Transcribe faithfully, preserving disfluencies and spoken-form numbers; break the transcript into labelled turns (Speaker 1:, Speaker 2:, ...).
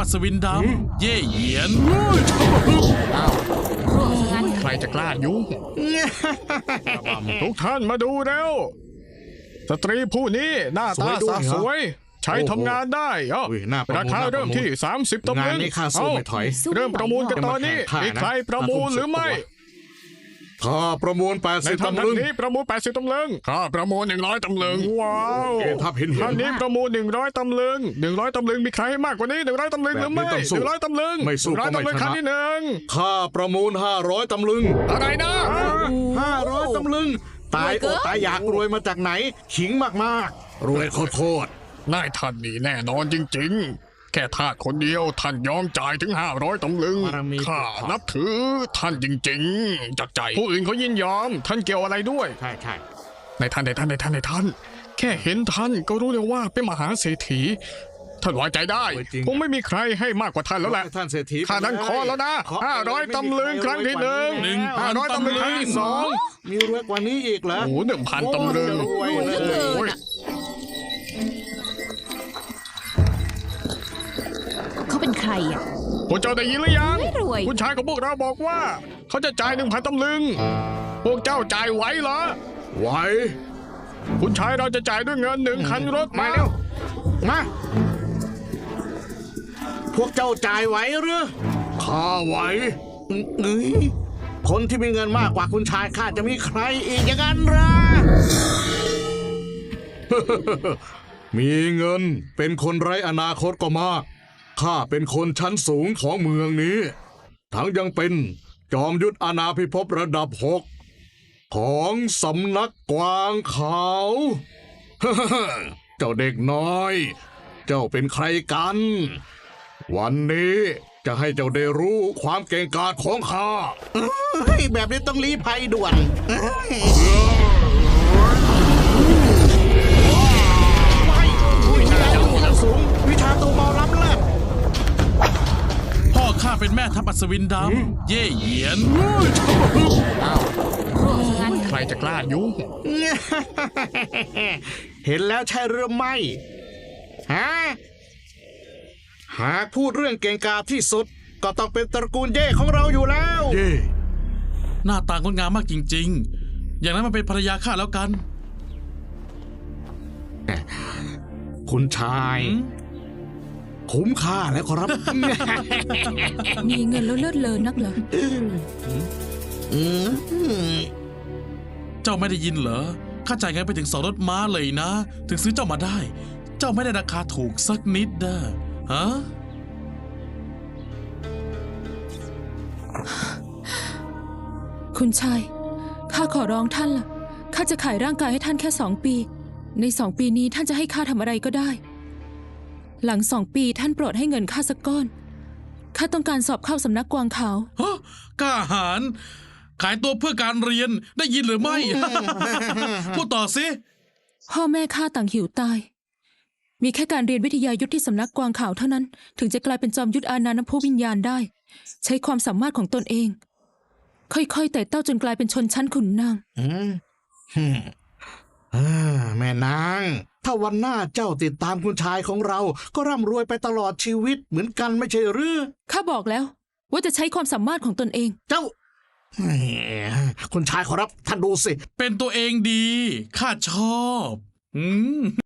Speaker 1: อัศวินดำเย่เหยียน
Speaker 2: ใครจะกล้ายุ่ง ทุกท่านมาดูแล้วสตรีผู้นี้หน้าตาสาสวยใช้ทำงานได้เอ้าราคาเริ่มที่สามสิบตำลึง
Speaker 3: งานนี้ข้าสู้ไม่ถอย
Speaker 2: เริ่มประมูลกันตอนนี้มีใครประมูลหรือไม่
Speaker 3: ข้าประมูลแปด
Speaker 2: ใน
Speaker 3: สิบ
Speaker 2: ท่าน
Speaker 3: ตำลึง
Speaker 2: นี้ประมูลแปดสิบตำลึงข้าประมูลหนึ่งร้อยตำลึงว้าว
Speaker 3: เกทับเห็นเห็น
Speaker 2: ท่านนี้ประมูลหนึ่งร้อยตำลึงหนึ่งร้อยตำลึงมีใครให้มากกว่านี้หนึ่งร้อยตำลึงหรือไม่
Speaker 3: แบบนี้ต้องสู้
Speaker 2: หนึ่งร้อยตำลึง
Speaker 3: ไม่สู้
Speaker 2: หนึ่งร้อย
Speaker 3: ก็ไม่
Speaker 2: ตำลึง
Speaker 3: ชนะ
Speaker 2: ครั้งที่หนึ่ง
Speaker 3: ข้าประมูลห้าร้อยตำลึง
Speaker 2: อะไรนะ
Speaker 3: ห้าร้อยตำลึงตายอดตายอยากรวยมาจากไหนขิงมากๆรวยโคตร
Speaker 2: นายท่านนี่แน่นอนจริงๆ แค่ทาสคนเดียวท่านยอมจ่ายถึงห้าร้อยตำลึงข้านับถือท่านจริงๆจากใจผู้อื่นเขายินยอมท่านเกี่ยวอะไรด้วย
Speaker 3: ๆใช่ใช่
Speaker 2: ในท่านในท่านในท่านในท่าน แค่เห็นท่านก็รู้เลยว่าเป็นมหาเศรษฐีท่านไว้ใจได้คงไม่มีใครให้มากกว่าท่านแล้วแหละ
Speaker 3: ท่านเศรษฐี
Speaker 2: ข้านั้นขอแล้วนะห้าร้อยตำลึงครั้งที่หนึ่งห้าร้อยตำลึงครั้งที่สอง
Speaker 3: มีรวยกว่านี้อีกเหรอ
Speaker 2: โอ้โหหนึ่งพันตำลึง
Speaker 3: รวยเลย
Speaker 2: โอ้ย
Speaker 4: เขาเป็นใครอ่ะ
Speaker 2: พวกเจ้าได้ยินหรือยัง
Speaker 4: ไม่รวย
Speaker 2: คุณชายของพวกเราบอกว่า เขาจะจ่ายหนึ่งพันตำลึง พวกเจ้าจ่ายไหวเหรอ
Speaker 3: ไหว
Speaker 2: คุณชายเราจะจ่ายด้วยเงินหนึ่งคันรถ
Speaker 3: มาเร็วมาพวกเจ้าจ่ายไหวหรือข้าไหวเอ้ยคนที่มีเงินมากกว่าคุณชายข้าจะมีใครอีกอย่างนั้นเหรอ มีเงินเป็นคนไร้อนาคตก็มาก ข้าเป็นคนชั้นสูงของเมืองนี้ ทั้งยังเป็นจอมยุทธอาณาพิภพระดับหกของสำนักกวางขาว เจ้าเด็กน้อย เจ้าเป็นใครกัน วันนี้จะให้เจ้าได้รู้ความเก่งกาจของข้าแบบนี้ต้องลี้ภัยด่วนวิชาชั้นสูงวิชาตัวเบาล้ำเลิศ
Speaker 1: พ่อข้าเป็นแม่ทัพอัศวินดำเย่เหยียน
Speaker 2: ใครจะกล้ายุ่ง
Speaker 3: เห็นแล้วใช่หรือไม่ฮะหากพูดเรื่องเก่งกาจที่สุด ก็ต้องเป็นตระกูลเย่ของเราอยู่แล้ว เย่
Speaker 1: หน้าตางดงามมากจริงๆ อย่างนั้นมันเป็นภรรยาข้าแล้วกัน
Speaker 3: คุณชาย คุ้มค่าแล้วครับ
Speaker 4: มีเงินแล้วเลิศเลอนักเหรอ
Speaker 1: เจ้าไม่ได้ยินเหรอข้าจ่ายเงินไปถึงสองรถม้าเลยนะ ถึงซื้อเจ้ามาได้ เจ้าไม่ได้ราคาถูกสักนิดนะฮะ
Speaker 4: คุณชาย ข้าขอร้องท่านล่ะ ข้าจะขายร่างกายให้ท่านแค่สองปี ในสองปีนี้ท่านจะให้ข้าทำอะไรก็ได้ หลังสองปีท่านโปรดให้เงินข้าสักก้อน ข้าต้องการสอบเข้าสำนักกวางขาว
Speaker 1: ฮะกล้าหาญขายตัวเพื่อการเรียนได้ยินหรือไม่ พูดต่อสิ
Speaker 4: พ่อแม่ข้าต่างหิวตาย มีแค่การเรียนวิทยายุทธที่สำนักกวางขาวเท่านั้น ถึงจะกลายเป็นจอมยุทธอาณานภวิญญาณได้ ใช้ความสามารถของตนเอง ค่อยๆแต่เต้าจนกลายเป็นชนชั้นขุนนาง
Speaker 3: อืมฮึ่มอ่าแม่นาง ถ้าวันหน้าเจ้าติดตามคุณชายของเรา ก็ร่ำรวยไปตลอดชีวิตเหมือนกันไม่ใช่หรือ
Speaker 4: ข้าบอกแล้ว ว่าจะใช้ความสามารถของตนเอง
Speaker 3: เจ้าแหมคุณชายขอรับท่านดูสิ
Speaker 1: เป็นตัวเองดี ข้าชอบ อืม